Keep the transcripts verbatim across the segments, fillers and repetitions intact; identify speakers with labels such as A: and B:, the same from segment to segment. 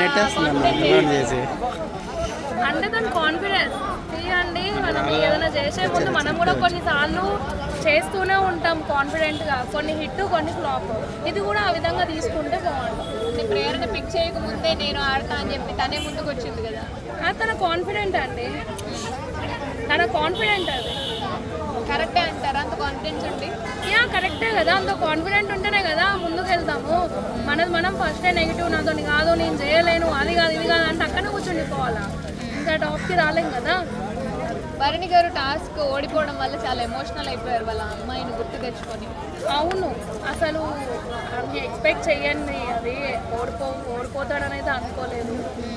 A: అంటే దాని కాన్ఫిడెన్స్ తీయండి. మనం ఏదైనా చేసే ముందు మనం కూడా కొన్నిసార్లు చేస్తూనే ఉంటాం కాన్ఫిడెంట్గా, కొన్ని హిట్ కొన్ని ఫ్లాప్. ఇది కూడా ఆ విధంగా తీసుకుంటే బాగుంటుంది.
B: ప్రేరణ పిక్ చేయకముందే నేను ఆడతా అని చెప్పి తనే ముందుకు వచ్చింది కదా,
A: అది తన కాన్ఫిడెంట్ అండి, తన కాన్ఫిడెంట్ అది.
B: కరెక్టే అంటారా? అంత కాన్ఫిడెన్స్ ఉండి
A: యా కరెక్టే కదా, అంత కాన్ఫిడెంట్ ఉంటేనే కదా ముందుకు వెళ్తాము. మనది మనం ఫస్టే నెగిటివ్, నాతో కాదు నేను చేయలేను అది కాదు ఇది కాదు అంటే అక్కడనే కూర్చుండిపోవాలా, ఇంకా టాప్కి రాలేం కదా.
B: భరణి గారు టాస్క్ ఓడిపోవడం వల్ల చాలా ఎమోషనల్ అయిపోయారు వాళ్ళ అమ్మాయిని గుర్తు తెచ్చుకొని.
A: అవును, అసలు అన్ని ఎక్స్పెక్ట్ చెయ్యండి, అది ఓడిపో ఓడిపోతాడనైతే అనుకోలేదు.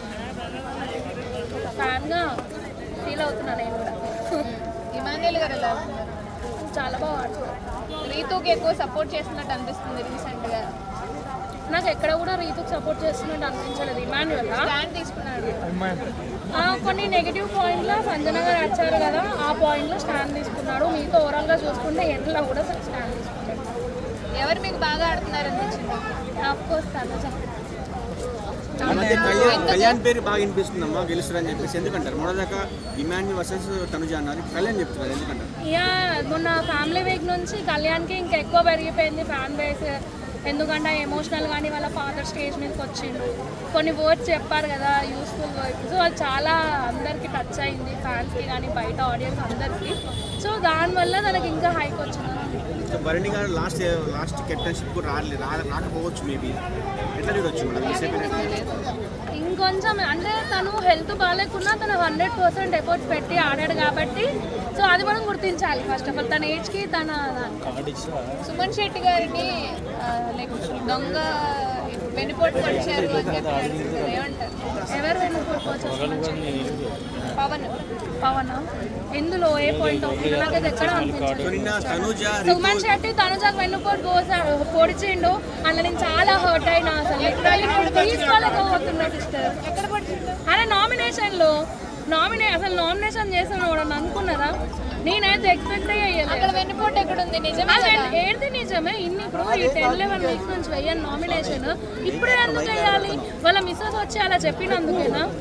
A: ఫ్యాన్గా ఫీల్ అవుతున్నా నేను కూడా.
B: ఇమాన్యుయల్ గారు ఎలా ఉన్నారు?
A: చాలా బాగా ఆడుతున్నారు.
B: రీతుకి ఎక్కువ సపోర్ట్ చేస్తున్నట్టు అనిపిస్తుంది రీసెంట్గా.
A: నాకు ఎక్కడ కూడా రీతుకి సపోర్ట్ చేస్తున్నట్టు అనిపించలేదు. ఇమాన్యుయల్
B: స్టాండ్ తీసుకున్నాడు.
A: కొన్ని నెగిటివ్ పాయింట్లో సంజన గారు వచ్చారు కదా, ఆ పాయింట్లో స్టాండ్ తీసుకున్నాడు. మీతో ఓవరాల్గా చూసుకుంటే ఎండ్లో కూడా స్టాండ్ తీసుకున్నాడు.
B: ఎవరు మీకు బాగా ఆడుతున్నారు అనిపించింది?
A: Of course Tanuja.
C: కళ్యాణ్ పేరు బాగా వినిపిస్తుందమ్మా గెలుస్తారని చెప్పేసి, ఎందుకంటారు? మొదటిదాకా ఇమాన్యుయల్ వర్సెస్ తనుజ అన్నారు, కళ్యాణ్ చెప్తున్నారు, ఎందుకంటారు?
A: యా మొన్న ఫ్యామిలీ వీక్ నుంచి కళ్యాణ్కి ఇంకా ఎక్కువ పెరిగిపోయింది ఫ్యాన్ బేస్. ఎందుకంటే ఎమోషనల్ కానీ వాళ్ళ ఫాదర్ స్టేజ్ మీదకి వచ్చిండు, కొన్ని వర్డ్స్ చెప్పారు కదా యూస్ఫుల్ వర్డ్స్. సో అది చాలా అందరికీ టచ్ అయింది, ఫ్యాన్స్కి కానీ బయట ఆడియన్స్ అందరికీ. సో దానివల్ల తనకి ఇంకా హైక్ వచ్చింది.
C: భరణి గారు లాస్ట్ లాస్ట్ కెప్టెన్షిప్ కూడా రాలేదు, రాకపోవచ్చు మేబీ. ఎట్లా చూడొచ్చు
A: ఇంకొంచెం అంటే తను హెల్త్ బాగాలేకున్నా తను హండ్రెడ్ పర్సెంట్ ఎఫర్ట్స్ పెట్టి ఆడాడు కాబట్టి, సో అది మనం గుర్తించాలి ఫస్ట్ ఆఫ్ ఆల్ తన ఏజ్కి తన.
B: సుమన్ శెట్టి గారిని లైక్ దొంగ వెన్నుపోటు వచ్చారు అని చెప్పి ఏమంటారు?
A: ఎవరు వెన్నుపోటు వచ్చారు?
B: పవన్.
A: పవన్ ఎందులో ఏ పాయింట్ ఆఫ్ వ్యూ నాకు ఎక్కడ అనిపించలేదు. సుమన్ శెట్టి తనుజకు వెన్నుపోటు కోసాడు, పొడిచిండు, అలా నేను చాలా హర్ట్ అయినా. అసలు తీసుకోలేకపోతున్నా సిస్టర్.
B: ఎక్కడ పడుతుంది?
A: అరే నామినేషన్లో నామినే అసలు నామినేషన్ చేసాను కూడా అనుకున్నారా? నేనైతే ఎక్స్పెక్ట్ అయ్యలేదు.
B: అక్కడ వెన్నుపోటు ఎక్కడ ఉంది? నిజమే
A: ఏది నిజమే. ఇన్ని ఇప్పుడు ఈ టెన్ లెవెన్ వీక్స్ నుంచి వెయ్యాలి నామినేషన్, ఇప్పుడే ఎందుకు వేయాలి? వాళ్ళ మిస్సెస్ వచ్చి అలా చెప్పినందుకేనా?